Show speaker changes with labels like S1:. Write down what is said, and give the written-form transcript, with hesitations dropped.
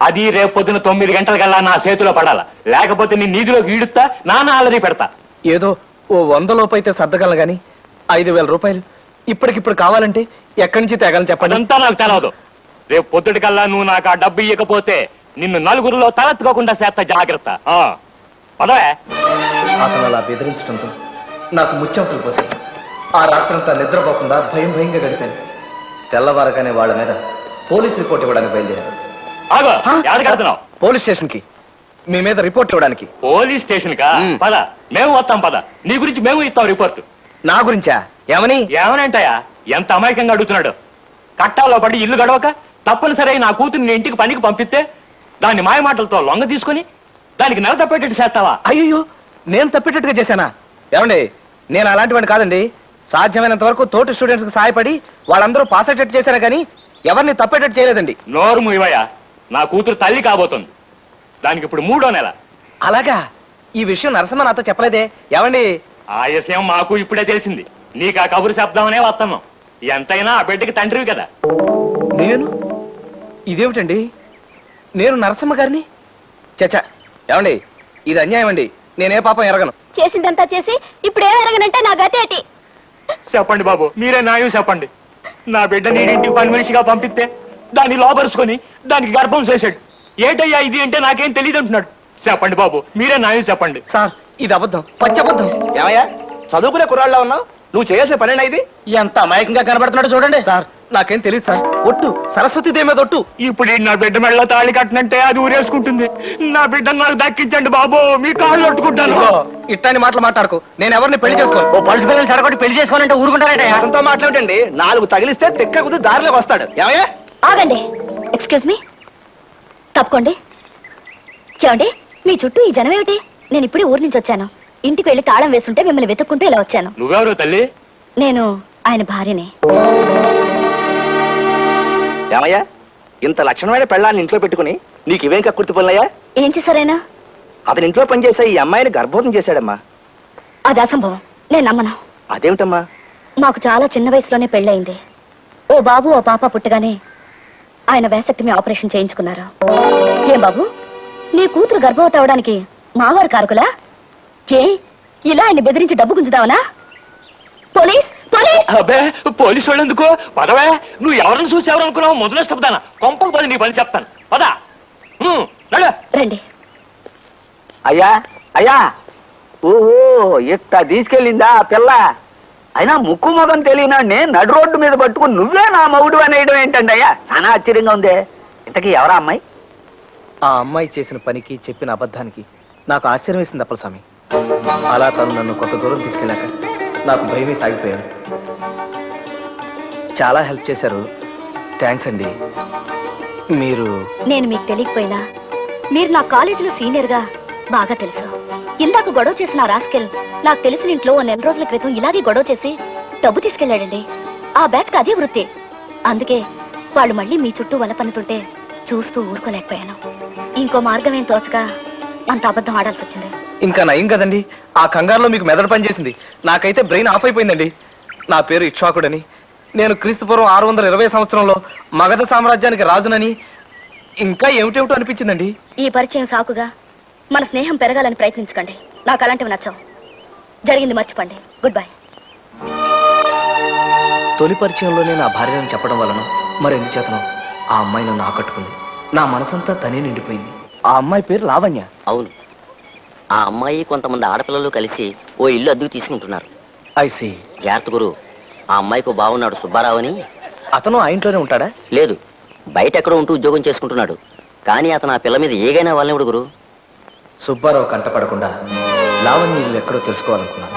S1: అది రేపు పొద్దున 9 గంటలకల్లా నా చేతిలో పడాల, లేకపోతే నీ నీటిలోకి ఈడుస్తా, నాన్న అల్లరి పెడతా.
S2: ఏదో ఓ 100 లోపు అయితే సర్దగలను గాని 5,000 రూపాయలు ఇప్పటికిప్పుడు కావాలంటే ఎక్కడి నుంచి తేగలని చెప్పండి.
S1: అదంతా నాకు తెలవదు. రేపు పొద్దుటికల్లా నువ్వు నాకు ఆ డబ్బు ఇవ్వకపోతే నిన్ను నలుగురిలో తలెత్తుకోకుండా చేస్తా, జాగ్రత్త. పదవే.
S2: అతను అలా బెదిరించడంతో నాకు ముచ్చెమటలు పోసాయి. ఆ రాత్రంతా నిద్రపోకుండా భయంగా గడిపాను. తెల్లవారగానే వాళ్ళ మీద పోలీస్ రిపోర్ట్ ఇవ్వడానికి బయలుదేరాను. పోలీస్ స్టేషన్ కి మీ మీద రిపోర్ట్ ఇవ్వడానికి.
S1: పోలీస్ స్టేషన్ కా? పద, మేము వస్తాం. పద, నీ గురించి మేము ఇస్తాం రిపోర్ట్.
S2: నా గురించా?
S1: ఏమనంటాయా? ఎంత అమాయకంగా అడుగుతున్నాడు. కట్టాలో పడి ఇల్లు గడవక తప్పనిసరి నా కూతుర్ని ఇంటికి పనికి పంపిస్తే దాన్ని మాయమాటలతో లొంగ తీసుకుని దానికి నెల తప్పేటట్టు చేస్తావా?
S2: అయ్యో, నేను తప్పేటట్టుగా చేశానా? ఏమండి, నేను అలాంటి వాడిని కాదండి. సాధ్యమైనంత వరకు తోటి స్టూడెంట్స్ కి సహాయపడి వాళ్ళందరూ పాస్ అయ్యేటట్టు చేశారా కానీ ఎవరిని తప్పేటట్టు చేయలేదండి.
S1: నోరు మూయవయ్యా. నా కూతురు తల్లి కాబోతుంది. దానికి ఇప్పుడు 3వ నెల.
S2: అలాగా? ఈ విషయం నరసింహ నాతో చెప్పలేదే. ఏమండి,
S1: ఆ విషయం మాకు ఇప్పుడే తెలిసింది. నీకు ఆ కబురు శబ్దమనే వస్తున్నాం. ఎంతైనా ఆ బిడ్డకి తండ్రివి కదా.
S2: ఇదేమిటండి, నేను నరసింహ గారిని? చచ్చా, ఏమండి, ఇది అన్యాయం అండి. నేనే పాపం ఎరగను.
S3: చేసిందంతా చేసి ఇప్పుడు ఏం ఎరగనంటే నా గతి ఏంటి?
S1: చెప్పండి బాబు, మీరే న్యాయం చెప్పండి. నా బిడ్డ నేను ఇంటికి పని మనిషిగా పంపిస్తే దాన్ని లోపరుచుకొని దానికి గర్భం చేశాడు. ఏటయ్యా ఇది అంటే నాకేం తెలియదు అంటున్నాడు. చెప్పండి బాబు, మీరే న్యాయం చెప్పండి.
S2: సార్, ఇది అబద్ధం, పచ్చబద్ధం.
S4: ఏమయ్యా, చదువుకునే కుర్రాళ్ళ ఉన్నావు? నువ్వు చేసే పనేనా ఇది?
S2: ఎంత అమాయకంగా కనబడుతున్నాడు చూడండి. సార్, నాకేం తెలియదు సార్. ఒట్టు, సరస్వతి దేవి మీద ఒట్టు.
S1: ఇప్పుడు నా బిడ్డ మెళ్ళ తాళి కట్టినంటే అది ఊరేసుకుంటుంది. నా బిడ్డను నాకు దక్కించండి బాబు, మీ కాళ్ళు కొట్టుకుంటాను.
S2: ఇట్లాంటి మాటలు మాట్లాడుకో. నేను ఎవరిని పెళ్లి చేసుకోను.
S1: ఓ పలుసు పిల్లలు సడగొట్టి పెళ్లి చేసుకోవాలంటే ఊరుకుంటారట.
S4: అతనితో మాట్లాడండి. 4 తగిలిస్తే తెక్క కుది దారిలోకి వస్తాడు. ఏమయ్యా?
S3: ఆగండి. ఎక్స్క్యూజ్ మీ, తప్పుకోండి. చూడండి, మీ చుట్టూ ఈ జనం ఏమిటి? నేను ఇప్పుడే ఊరి నుంచి వచ్చాను. ఇంటికి వెళ్ళి తాళం వేస్తుంటే మిమ్మల్ని వెతుక్కుంటూ ఇలా వచ్చాను.
S1: నువ్వెవరు తల్లి?
S3: నేను ఆయన భార్యని.
S4: ఏమయ్యా, ఇంత లక్షణమైన పెళ్ళాన్ని ఇంట్లో పెట్టుకుని నీకు ఇవేం కక్కుర్తి పనులయ్యా?
S3: ఏం చేశారైనా?
S4: అతని ఇంట్లో పనిచేసే ఈ అమ్మాయిని గర్భవతం చేశాడమ్మా.
S3: అది అసంభవం. నేను నమ్మను.
S4: అదేమిటమ్మా?
S3: మాకు చాలా చిన్న వయసులోనే పెళ్ళయింది. ఓ బాబు ఓ పాప పుట్టగానే ఆయన వేసక్టమీ ఆపరేషన్ చేయించుకున్నారు. ఏం బాబు, నీ కూతురు గర్భవతి అవడానికి మావారు కారుకులా? ఏ, ఇలా ఆయన బెదిరించి డబ్బు గుంజుదావనా? Police police!
S1: అబ్బే, పోలీసు వాళ్ళు ఎందుకు? పదవే. నువ్వు ఎవరిని చూసి ఎవరనుకున్నావు? మొదలు ఇష్టపదానా? కొంపకు పది నీ పని చెప్తాను. పదా
S3: రండి.
S5: అయ్యా అయ్యా, ఓహో, ఇట్ట తీసుకెళ్ళిందా ఆ పిల్ల? అయినా ముక్కు మొగం తెలియనాడిని నడు రోడ్డు మీద పట్టుకుని నువ్వే నా మగుడు అనేయడం ఏంటండి అయ్యా? చాలా ఆశ్చర్యంగా ఉంది. ఇంతకీ ఎవరా అమ్మాయి?
S2: ఆ అమ్మాయి చేసిన పనికి, చెప్పిన అబద్ధానికి నాకు ఆశ్చర్యం వేసింది అప్పలస్వామి. అలా తను నన్ను కొంత దూరం తీసుకెళ్ళాక నాకు భయమే సాగిపోయాను. చాలా హెల్ప్ చేశారు. థ్యాంక్స్ అండి.
S3: నేను మీకు తెలియకపోయినా మీరు నా కాలేజీలో సీనియర్ గా బాగా తెలుసు. ఇందాక గొడవ చేసిన రాస్కెల్ నాకు తెలిసిన ఇంట్లో 1 నెల రోజుల క్రితం ఇలాగే గొడవ చేసి డబ్బు తీసుకెళ్లాడండి. ఆ బ్యాచ్ కి అదే వృత్తి. అందుకే వాళ్ళు మళ్ళీ మీ చుట్టూ వల పన్నుతుంటే చూస్తూ ఊరుకోలేకపోయాను. ఇంకో మార్గం ఏం తోచగా అంత అబద్ధం ఆడాల్సి వచ్చింది.
S2: ఇంకా నయం కదండి. ఆ కంగారులో మీకు మెదడు పనిచేసింది. నాకైతే బ్రెయిన్ ఆఫ్ అయిపోయిందండి. నా పేరు ఇక్ష్వాకుడని, నేను క్రీస్తుపూర్వం 620 సంవత్సరంలో మగధ సామ్రాజ్యానికి రాజునని, ఇంకా ఏమిటేమిటో అనిపించిందండి.
S3: ఈ పరిచయం సాకుగా మన స్నేహం పెరగాలని ప్రయత్నించకండి. నాకు అలాంటివి నచ్చవు. జరిగింది మర్చిపోండి. Good bye.
S2: తొలి పరిచయంలోనే నా భార్యను చెప్పడం వలన మరెందుచేతనో ఆ అమ్మాయి నన్ను ఆకట్టుకుంది. నా మనసంతా తనే నిండిపోయింది. ఆ అమ్మాయి పేరు లావణ్య.
S6: అవును, ఆ అమ్మాయి కొంతమంది ఆడపిల్లలు కలిసి ఓ ఇల్లు అద్దెకు తీసుకుంటున్నారు.
S2: I see.
S6: జాగ్రత్త గురు. ఆ అమ్మాయికి బాగున్నాడు సుబ్బారావు అని.
S2: అతను ఆ ఇంట్లోనే ఉంటాడా?
S6: లేదు, బయట ఎక్కడో ఉంటూ ఉద్యోగం చేసుకుంటున్నాడు. కానీ అతను ఆ పిల్ల మీద ఏగైనా వాళ్ళనివ్వడు గురు.
S2: సుబ్బారావు కంటపడకుండా లావణ్య ఇల్లు ఎక్కడో తెలుసుకోవాలనుకున్నాను.